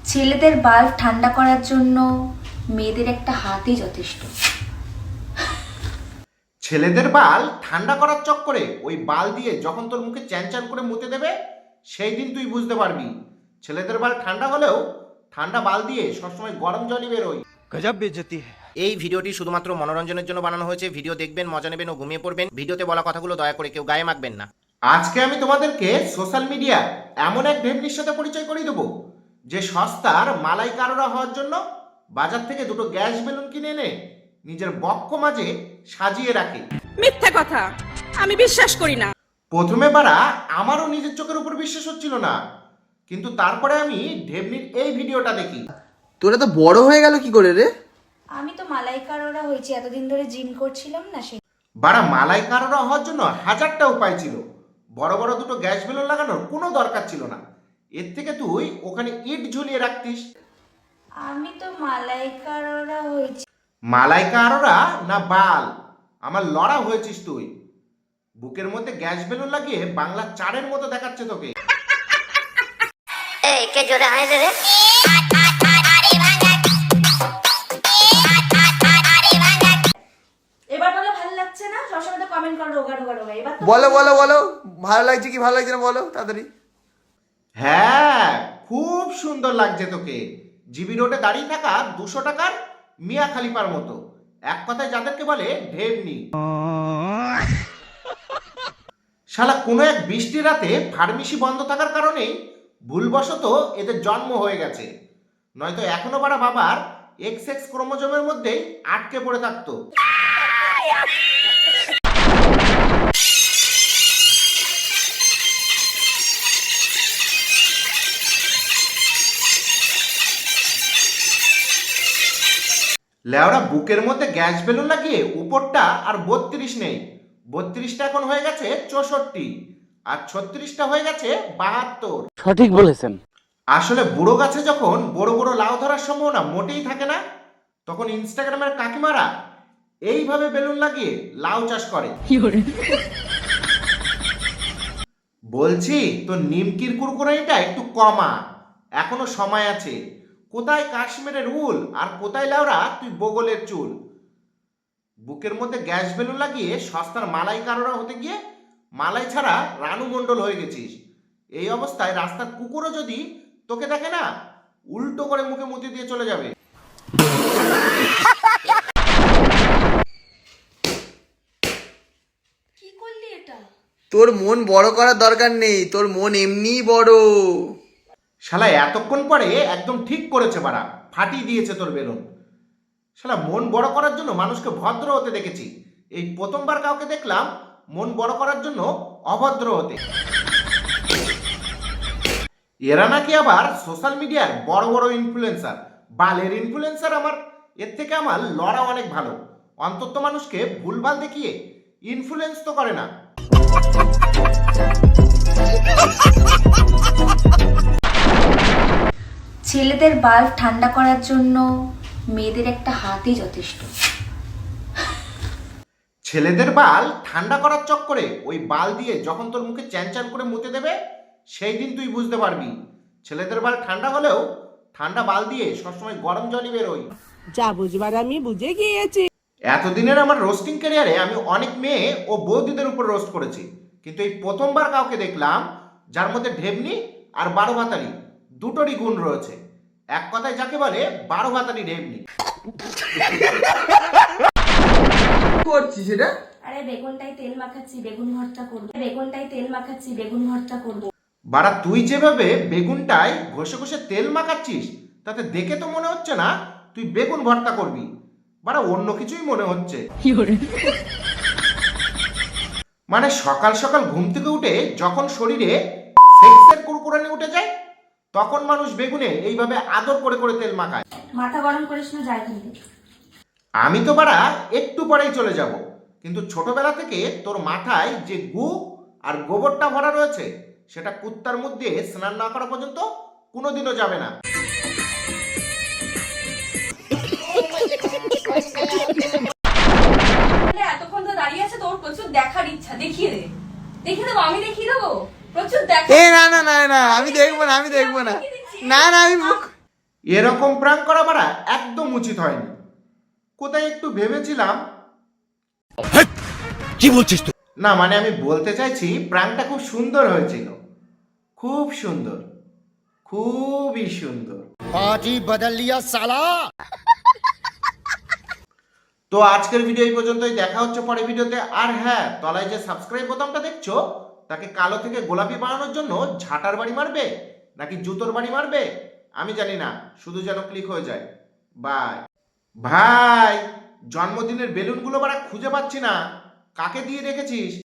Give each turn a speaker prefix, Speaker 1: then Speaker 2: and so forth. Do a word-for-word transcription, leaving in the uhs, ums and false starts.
Speaker 1: ছেলেদের বাল্ব ঠান্ডা করার জন্য মেয়েদের একটা হাতই যথেষ্ট।
Speaker 2: ছেলেদের বাল ঠান্ডা করার চক্করে ওই বাল দিয়ে যখন তোর মুখে চ্যান চ্যান করে মুতে দেবে সেই দিন তুই বুঝতে পারবি ছেলেদের বাল ঠান্ডা হলেও ঠান্ডা বাল দিয়ে সবসময় গরম জলই বেরোয়।
Speaker 3: গজব বেইজ্জতি है।
Speaker 4: এই ভিডিওটি শুধুমাত্র মনোরঞ্জনের জন্য বানানো হয়েছে। ভিডিও দেখবেন, মজা নেবেন ও ঘুমিয়ে পড়বেন। ভিডিওতে বলা কথাগুলো দয়া করে কেউ গায়ে মাখবেন না।
Speaker 2: আজকে আমি তোমাদেরকে সোশ্যাল মিডিয়া এমন এক ঢেমনির সাথে পরিচয় করিয়ে দেবো যে সস্তার মালাই কারোরা হওয়ার জন্য বাজার থেকে দুটো গ্যাস বেলুন কিনে এনে নিজের বক্ষ মাঝে সাজিয়ে রাখে।
Speaker 5: মিথ্যা কথা, আমি বিশ্বাস করি না।
Speaker 2: প্রথমে বারা আমারও নিজের চোখের উপর বিশ্বাস হচ্ছিল না, কিন্তু তারপরে আমি ঢেমনির এই ভিডিওটা দেখি।
Speaker 6: তোরা তো বড় হয়ে গেল কি করে রে?
Speaker 1: আমি তো মালাইকাররা হয়েছি, এতদিন ধরে জিম করছিলাম না সে।
Speaker 2: বারা মালাই কারোরা হওয়ার জন্য হাজারটা উপায় ছিল, বড় বড় দুটো গ্যাস বেলুন লাগানোর কোনো দরকার ছিল না। এর থেকে তুই ওখানে ইট ঝুলিয়ে রাখতিস।
Speaker 1: আমি তো মালাইকাররা হয়েছি।
Speaker 2: মালাই কারোরা না বাল, আমার লড়া হয়েছিস তুই। বুকের মধ্যে গ্যাস বেলুন লাগিয়ে বাংলা চারের মতো দেখাচ্ছে তোকে।
Speaker 7: এই কে জোরে হাসে রে?
Speaker 1: এবার বলে ভালো লাগছে না, সবসময় তো কমেন্ট করো রোগা রোগা রোগা। এবার তো
Speaker 6: বলো বলো বলো, ভালো লাগছে কি ভালো লাগছে না বলো তাড়াতাড়ি।
Speaker 2: হ্যাঁ, খুব সুন্দর লাগছে তোকে। জিবি রোডে দাঁড়িয়ে থাকা দুশো টাকার মিয়া খালিফার মতো, এক কথায় যাদেরকে বলে ঢেমনি। শালা কোনো এক বৃষ্টি রাতে ফার্মেসি বন্ধ থাকার কারণেই ভুলবশত এদের জন্ম হয়ে গেছে, নয়তো এখনো বাড়া বাবার এক্স এক্স ক্রোমোজোমের মধ্যেই আটকে পড়ে থাকতো। লেওরা বুকের মধ্যে গ্যাস বেলুন লাগিয়ে উপরটা আর বত্রিশ নেই, বত্রিশটা এখন হয়ে গেছে চৌষট্টি, আর ছত্রিশটা হয়ে গেছে বাহাত্তর।
Speaker 8: সঠিক বলেছেন।
Speaker 2: আসলে বুড়ো গাছে যখন বড় বড় লাউ ধরার সম্ভাবনা মোটেই থাকে না, তখন ইনস্টাগ্রামের কাকিমারা এইভাবে বেলুন লাগিয়ে লাউ চাষ করে। বলছি তো নিমকির কুরকুরানিটা একটু কমা, এখনো সময় আছে। কোথায় কাশ্মীরের উল আর কোথায় লাউরা তুই বগলের চুল। বুকের মধ্যে গ্যাস বেলুন লাগিয়ে সস্তার মালাই কারোরা হতে গিয়ে মালাই ছাড়া রানু মণ্ডল হয়ে গেছিস। এই অবস্থায় রাস্তার কুকুরও যদি তোকে দেখে না, উল্টো করে মুখে মুতি দিয়ে চলে যাবে।
Speaker 1: কি করলি এটা?
Speaker 6: তোর মন বড় করার দরকার নেই, তোর মন এমনিই বড়।
Speaker 2: শালা এতক্ষণ পরে একদম ঠিক করেছে বাড়া, ফাটিয়ে দিয়েছে তোর বেলুন। শালা মন বড় করার জন্য মানুষকে ভদ্র হতে দেখেছি, এই প্রথমবার কাউকে দেখলাম মন বড় করার জন্য অভদ্র হতে। এরা নাকি আবার সোশ্যাল মিডিয়ার বড় বড় ইনফ্লুয়েন্সার, বালের ইনফ্লুয়েন্সার। আমার এর থেকে আমার লড়া অনেক ভালো, অন্তত মানুষকে ভুলভাল দেখিয়ে ইনফ্লুয়েন্স তো করে না।
Speaker 1: ছেলেদের বাল্ব ঠান্ডা করার জন্য মেয়েদের একটা হাতই যথেষ্ট।
Speaker 2: ছেলেদের বাল ঠান্ডা করার চক্করে ওই বাল দিয়ে যখন তোর মুখে চ্যান চ্যান করে মুতে দেবে সেই দিন তুই বুঝতে পারবি ছেলেদের বাল ঠান্ডা হলেও ঠান্ডা বাল দিয়ে সবসময় গরম জলই বেরোয়।
Speaker 5: যা বুঝবার আমি বুঝে গিয়েছি।
Speaker 2: এতদিনের আমার রোস্টিং ক্যারিয়ারে আমি অনেক মেয়ে ও বৌদিদের উপর রোস্ট করেছি, কিন্তু এই প্রথমবার কাউকে দেখলাম যার মধ্যে ঢেমনি আর বারো ভাতারি দুটোরই গুণ রয়েছে। এক কথায় যাকে বলে বারো ভাতারি ঢেমনি।
Speaker 6: করছিস এটা?
Speaker 1: আরে বেগুনটাই তেল মাখাচ্ছি, বেগুন ভর্তা করবো। বেগুনটাই তেল মাখাচ্ছি, বেগুন ভর্তা করবো।
Speaker 2: বাড়া তুই যেভাবে বেগুনটায় ঘষে ঘষে তেল মাখাচ্ছিস তাতে দেখে তো মনে হচ্ছে না তুই বেগুন ভর্তা করবি, বাড়া অন্য কিছুই মনে হচ্ছে। মানে সকাল সকাল ঘুম থেকে উঠে যখন শরীরে সেক্সের কুরকুরানি উঠে যায় তখন মানুষ বেগুনে এইভাবে আদর করে করে তেল মাখায়।
Speaker 1: মাথা গরম করিস না, যায় কিন্তু।
Speaker 2: আমি তো বাড়া একটু পরেই চলে যাব, কিন্তু ছোটবেলা থেকে তোর মাথায় যে গু আর গোবরটা ভরা রয়েছে সেটা কুত্তার মুখ দিয়ে স্নান না করা পর্যন্ত কোনোদিনও যাবে না।
Speaker 5: এতক্ষণ তো দাঁড়িয়ে আছে, তোর প্রচুর দেখার ইচ্ছা, দেখিয়ে দে। দেখিয়ে দেবো, আমি দেখিয়ে দেবো। প্রচুর দেখা।
Speaker 6: এ না না না না, আমি দেখবো না, আমি দেখবো না। না না আমি মুখ
Speaker 2: এরকম প্রাঙ্ক করা বাড়া একদম উচিত হয়নি। কোথায় একটু ভেবেছিলাম,
Speaker 3: কি বলছিস তুই?
Speaker 2: না মানে আমি বলতে চাইছি প্রাঙ্কটা খুব সুন্দর হয়েছিল, খুব সুন্দর, খুবই সুন্দর।
Speaker 3: বাজি বদল লিয়া সালা।
Speaker 2: তো আজকের ভিডিও এই পর্যন্তই, দেখা হচ্ছে পরের ভিডিওতে। আর হ্যাঁ, তলায় যে সাবস্ক্রাইব বোতামটা দেখছো, তাকে কালো থেকে গোলাপি বানানোর জন্য ঝাঁটার বাড়ি মারবে নাকি জুতোর বাড়ি মারবে আমি জানি না, শুধু যেন ক্লিক হয়ে যায়। বাই। ভাই, জন্মদিনের বেলুনগুলো বাড়া খুঁজে পাচ্ছি না, কাকে দিয়ে রেখেছিস?